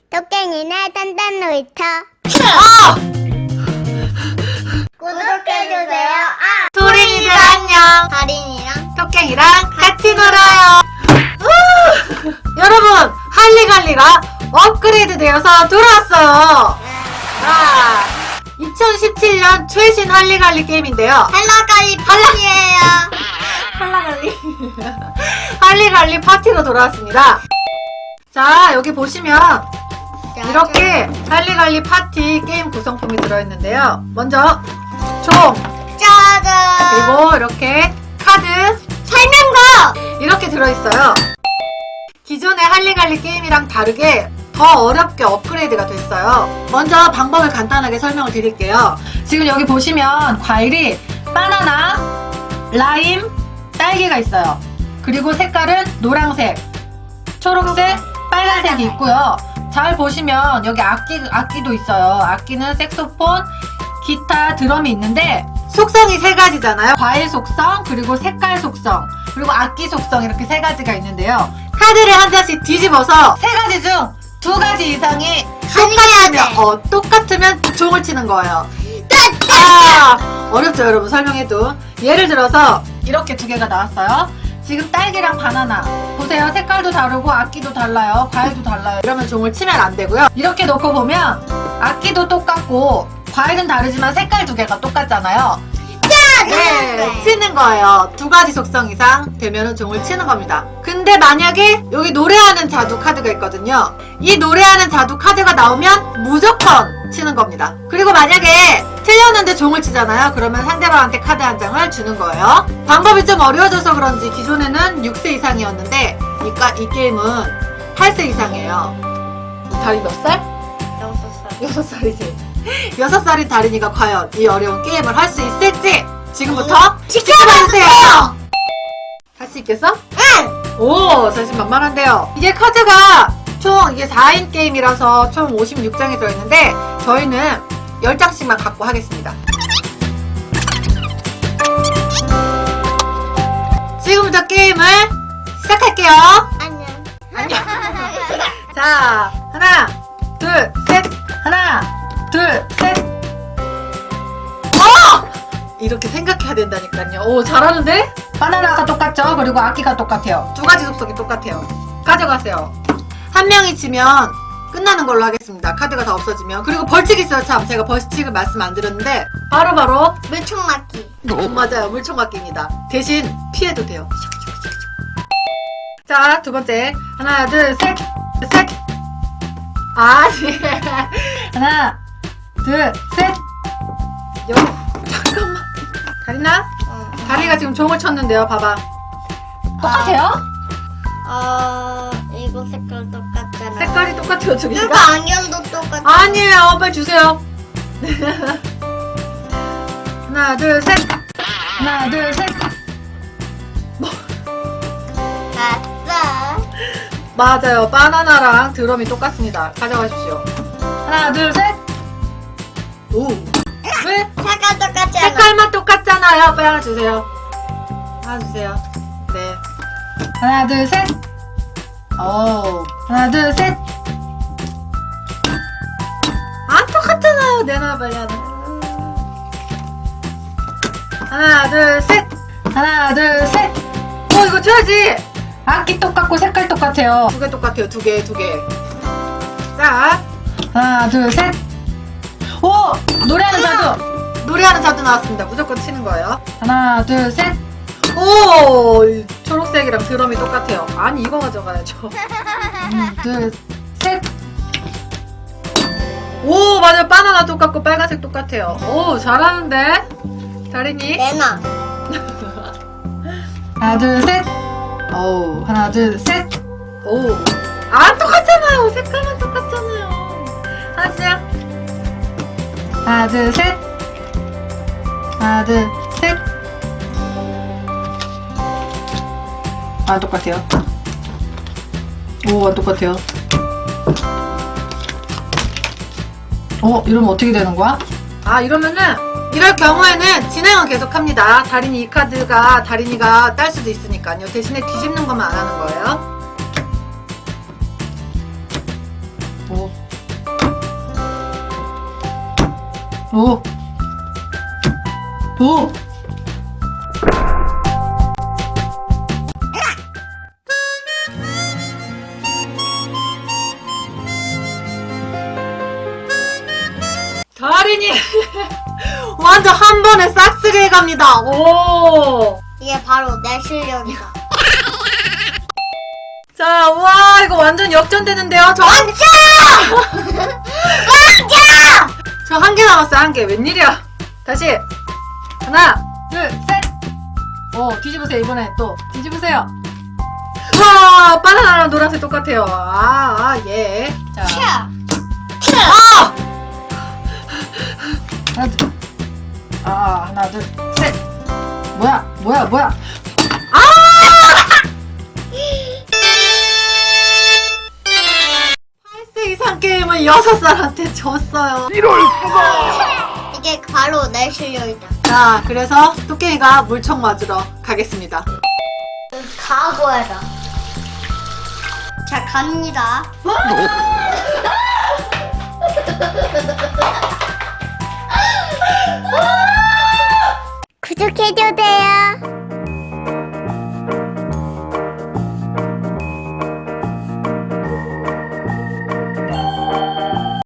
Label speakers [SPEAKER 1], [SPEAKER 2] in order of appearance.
[SPEAKER 1] 토깽이네 단단 놀이터. 구독해주세요.
[SPEAKER 2] 토린이들 안녕.
[SPEAKER 1] 다린이랑
[SPEAKER 2] 토깽이랑 같이 놀아요. 여러분, 할리갈리가 업그레이드 되어서 돌아왔어요. 자, 2017년 최신 할리갈리 게임인데요.
[SPEAKER 1] 할라갈리 파티예요.
[SPEAKER 2] 할라갈리 할리갈리 파티로 돌아왔습니다. 자, 여기 보시면 이렇게 할리갈리 파티 게임 구성품이 들어있는데요. 먼저 총,
[SPEAKER 1] 짜잔.
[SPEAKER 2] 그리고 이렇게 카드,
[SPEAKER 1] 설명서.
[SPEAKER 2] 이렇게 들어있어요. 기존의 할리갈리 게임이랑 다르게 더 어렵게 업그레이드가 됐어요. 먼저 방법을 간단하게 설명을 드릴게요. 지금 여기 보시면 과일이 바나나, 라임, 딸기가 있어요. 그리고 색깔은 노란색, 초록색, 빨간색이 있고요. 잘 보시면 여기 악기도 있어요. 악기는 색소폰, 기타, 드럼이 있는데 속성이 세 가지잖아요. 과일 속성, 그리고 색깔 속성, 그리고 악기 속성, 이렇게 세 가지가 있는데요. 카드를 한 장씩 뒤집어서 세 가지 중 두 가지 이상이 똑같으면 종을 치는 거예요. 어렵죠, 여러분? 설명해도. 예를 들어서 이렇게 두 개가 나왔어요. 지금 딸기랑 바나나 보세요. 색깔도 다르고 악기도 달라요. 과일도 달라요. 이러면 종을 치면 안 되고요. 이렇게 놓고 보면 악기도 똑같고 과일은 다르지만 색깔 두 개가 똑같잖아요. 네, 치는 거예요. 두 가지 속성 이상 되면은 종을 치는 겁니다. 근데 만약에 여기 노래하는 자두 카드가 있거든요. 이 노래하는 자두 카드가 나오면 무조건 치는 겁니다. 그리고 만약에 틀렸는데 종을 치잖아요. 그러면 상대방한테 카드 한 장을 주는 거예요. 방법이 좀 어려워져서 그런지 기존에는 6세 이상이었는데 이 게임은 8세 이상이에요. 다리 몇 살? 6살이지. 6살인 다린이가 과연 이 어려운 게임을 할 수 있을지 지금부터 지켜봐주세요. 할 수 있겠어?
[SPEAKER 1] 응.
[SPEAKER 2] 오, 자신만만한데요. 이게 카드가 총 이게 4인 게임이라서 총 56장이 들어있는데 저희는 10장씩만 갖고 하겠습니다. 지금부터 게임을 시작할게요.
[SPEAKER 1] 안녕.
[SPEAKER 2] 자, 하나, 둘, 셋. 하나, 둘, 셋. 이렇게 생각해야 된다니까요. 오, 잘하는데? 바나나가 똑같죠? 그리고 악기가 똑같아요. 두 가지 속성이 똑같아요. 가져가세요. 한 명이 지면 끝나는 걸로 하겠습니다. 카드가 다 없어지면. 그리고 벌칙 있어요. 참, 제가 벌칙을 말씀 안 드렸는데 바로
[SPEAKER 1] 물총 맞기.
[SPEAKER 2] 맞아요. 물총 맞기입니다. 대신 피해도 돼요. 자, 두 번째. 하나, 둘, 셋. 셋. 아니. 하나, 둘, 셋. 잠깐만. 다리나? 다리가 지금 종을 쳤는데요. 봐봐. 똑같아요?
[SPEAKER 1] 이거 색깔 똑같잖아.
[SPEAKER 2] 색깔이 똑같아요, 두
[SPEAKER 1] 이거
[SPEAKER 2] 개가.
[SPEAKER 1] 안경도 똑같아.
[SPEAKER 2] 아니에요. 빨리 주세요. 하나, 둘, 셋. 하나, 둘, 셋.
[SPEAKER 1] 아싸.
[SPEAKER 2] 맞아요. 바나나랑 드럼이 똑같습니다. 가져가십시오. 하나, 둘, 셋. 오. 왜?
[SPEAKER 1] 색깔 똑같잖아.
[SPEAKER 2] 색깔만 똑같잖아요. 빨리 하나 주세요. 하나 주세요. 네. 하나, 둘, 셋. 오. 하나, 둘, 셋. 안 똑같잖아요. 내놔, 빨리 하나. 하나, 둘, 셋. 하나, 둘, 셋. 이거 줘야지. 악기 똑같고 색깔 똑같아요. 두 개 똑같아요. 두 개. 자. 하나, 둘, 셋. 오! 노래하는 자두! 노래하는 자두 나왔습니다. 무조건 치는 거예요. 하나, 둘, 셋. 오! 초록색이랑 드럼이 똑같아요. 아니, 이거 가져가야죠. 하나, 둘, 셋. 오, 맞아요. 바나나 똑같고 빨간색 똑같아요. 오, 잘하는데? 다린이?
[SPEAKER 1] 내놔.
[SPEAKER 2] 하나, 둘, 셋. 오, 하나, 둘, 셋. 오. 안 똑같잖아요. 색깔만 똑같잖아요. 하나씩. 하나, 둘, 셋. 하나, 둘, 셋. 아, 똑같아요. 오, 안 똑같아요. 이러면 어떻게 되는 거야? 이러면은, 이럴 경우에는 진행은 계속합니다. 다린이 이 카드가 다린이가 딸 수도 있으니까요. 대신에 뒤집는 것만 안 하는 거예요. 오. 오. 오. 다린이 완전 한 번에 싹쓸이 해갑니다. 오.
[SPEAKER 1] 이게 바로 내 실력이다.
[SPEAKER 2] 자, 우와, 이거 완전 역전되는데요. 저 한 개. 저 한 개 남았어요. 한 개. 웬일이야? 다시 하나, 둘, 셋. 뒤집으세요. 이번에 또 뒤집으세요. 와, 바나나랑 노란색 똑같아요. 예. 자,
[SPEAKER 1] 캬.
[SPEAKER 2] 아! 하나, 둘, 셋. 뭐야? 이상 게임을 6살한테 졌어요.
[SPEAKER 1] 이게 바로 내 실력이다.
[SPEAKER 2] 자, 그래서 토끼가 물총 맞으러 가겠습니다.
[SPEAKER 1] 각오해라. 자, 갑니다.